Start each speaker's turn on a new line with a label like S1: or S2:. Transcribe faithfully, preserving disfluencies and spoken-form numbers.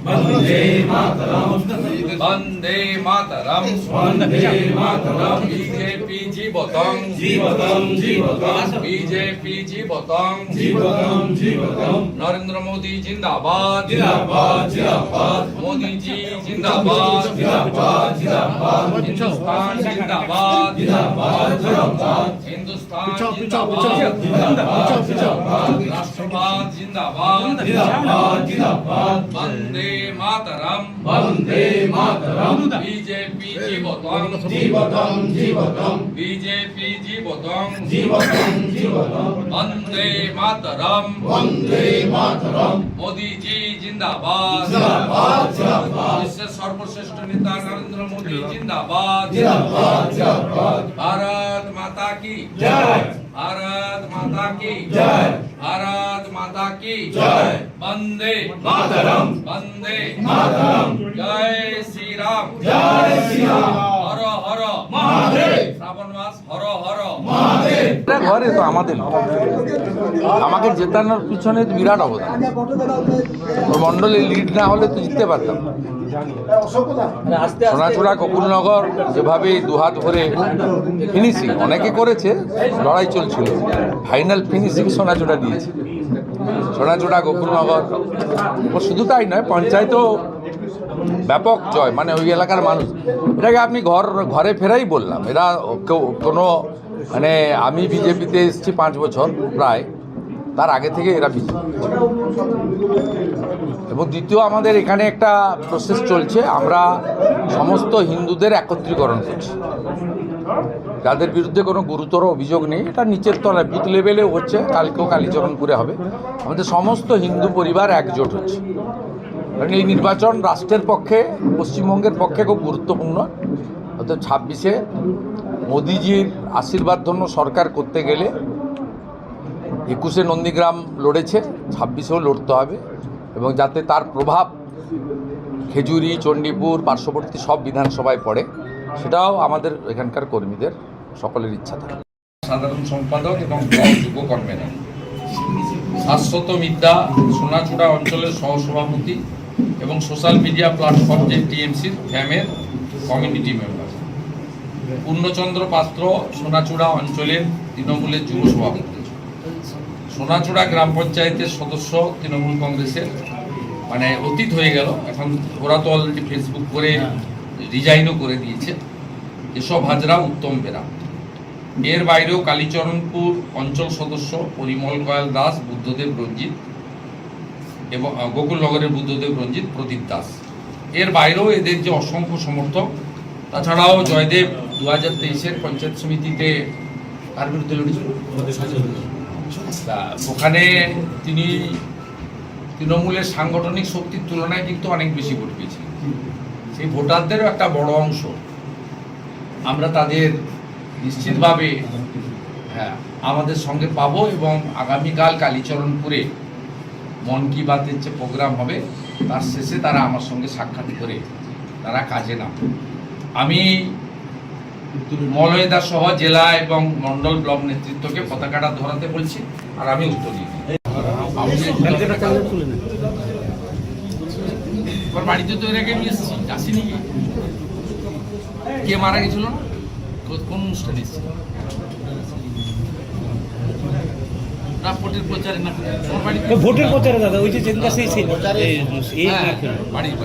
S1: वंदे मातरम
S2: वंदे मातरम
S1: वंदे मातरम
S2: बीजेपी जीवतम
S1: जीवतम जीवतम
S2: बीजेपी जीवतम
S1: जीवतम जीवतम
S2: नरेंद्र मोदी जिंदाबाद
S1: जिंदाबाद जिंदाबाद
S2: मोदी जी जिंदाबाद
S1: जिंदाबाद जिंदाबाद
S2: हिंदुस्तान जिंदाबाद
S1: जिंदाबाद जिंदाबाद
S2: हिंदुस्तान जिंदाबाद राष्ट्रवाद जिंदाबाद
S1: जिंदाबाद जिंदाबाद
S2: वंदे मातरम
S1: वंदे मातरम
S2: बीजेपी जीवतम
S1: जीवतम जीवतम
S2: बीजेपी जीवतम
S1: जीवतम जीवतम
S2: वंदे मातरम
S1: वंदे मातरम
S2: मोदी जी जिंदाबाद
S1: जिंदाबाद जिंदाबाद
S2: विश्व सर्वश्रेष्ठ नेता नरेंद्र मोदी जिंदाबाद
S1: जिंदाबाद जिंदाबाद
S2: भारत माता की
S1: जय
S2: भारत माता की
S1: जय
S2: भारत माता की
S1: जय
S2: वंदे
S1: मातरम
S2: वंदे
S1: मातरम
S2: जय श्री राम
S1: जय श्री राम
S2: हर हर
S1: महादेव
S2: শ্রাবণ মাস হর হর
S1: महादेव
S3: ঘরে তো আমাদের না। আমাকে জেতানোর পিছনে তো বিরাট অবদান। ওর মন্ডলে লিড না হলে তো জিততে পারতাম না। সোনাচূড়া গোকুলনগর যেভাবে দুহাত ভরে ফিনিশিং অনেকে করেছে, লড়াই চলছিল, ফাইনাল ফিনিশিং সোনাচূড়া দিয়েছে। সোনাচূড়া গোকুলনগর ও শুধু তাই নয়, পঞ্চায়েতও ব্যাপক জয়, মানে ওই এলাকার মানুষ। এটাকে আপনি ঘর ঘরে ফেরাই বললাম। এরা কেউ কোনো মানে আমি বিজেপিতে এসেছি পাঁচ বছর প্রায়, তার আগে থেকে এরা বিজেপি। এবং দ্বিতীয়, আমাদের এখানে একটা প্রসেস চলছে, আমরা সমস্ত হিন্দুদের একত্রীকরণ করছি। যাদের বিরুদ্ধে কোনো গুরুতর অভিযোগ নেই, এটা নিচের তলায় বুথ লেভেলেও হচ্ছে, কালকেও কালীচরণপুরে হবে। আমাদের সমস্ত হিন্দু পরিবার একজোট হচ্ছে, কারণ এই নির্বাচন রাষ্ট্রের পক্ষে, পশ্চিমবঙ্গের পক্ষে খুব গুরুত্বপূর্ণ। অর্থাৎ ছাব্বিশে মোদিজির আশীর্বাদ ধন্য সরকার করতে গেলে একুশে নন্দীগ্রাম লড়েছে, ছাব্বিশেও লড়তে হবে, এবং যাতে তার প্রভাব খেজুরি, চণ্ডীপুর, পার্শ্ববর্তী সব বিধানসভায় পড়ে, সেটাও আমাদের এখানকার কর্মীদের সকলের ইচ্ছা থাকে।
S2: সাধারণ সম্পাদক এবং ব্লক যুব কনভেনর, শাশ্বত মিদ্যা সোনাচূড়া অঞ্চলের সহসভাপতি এবং সোশ্যাল মিডিয়া প্ল্যাটফর্ম যে টিএমসির ফ্যামের কমিউনিটি মেম্বার, পূর্ণচন্দ্র পাত্র সোনাচূড়া অঞ্চলের তৃণমূলের যুব সভাপতি, সোনাচূড়া গ্রাম পঞ্চায়েতের সদস্য তৃণমূল কংগ্রেসের, মানে অতীত হয়ে গেল, এখন ওরা তো অলরেডি ফেসবুক করে রিজাইনও করে দিয়েছে, এসব হাজরা উত্তম বেরা। এর বাইরেও কালীচরণপুর অঞ্চল সদস্য পরিমল কয়াল দাস, বুদ্ধদেব রঞ্জিত এবং গোকুলনগরের বুদ্ধদেব রঞ্জিত, প্রদীপ দাস। এর বাইরেও এদের যে অসংখ্য সমর্থক, তাছাড়াও জয়দেব দু হাজার তেইশের পঞ্চায়েত সমিতিতে তার বিরুদ্ধে লড়েছিল, ওখানে তিনি তৃণমূলের সাংগঠনিক শক্তির তুলনায় কিন্তু অনেক বেশি ভোট পেয়েছিলেন। সেই ভোটারদেরও একটা বড় অংশ আমরা তাদের নিশ্চিতভাবে হ্যাঁ আমাদের সঙ্গে পাবো, এবং আগামীকাল কালীচরণপুরে মন কি বাতের যে প্রোগ্রাম হবে তার শেষে তারা আমার সঙ্গে সাক্ষাৎ করে তারা কাজে নামবে। আমি মলয়দা সহ জেলা এবং মন্ডল ব্লক নেতৃত্বকে পতাকাটা ধরাতে বলছি, আর আমি উত্তর দিই। আমার বাড়িতে তো এর আগে আমি এসেছি, আসিনি। কে মারা গেছিল, কোন অনুষ্ঠানে এসেছি? ভোটের প্রচারে না, ভোটের প্রচারে দাদা, ওই যে বাড়ি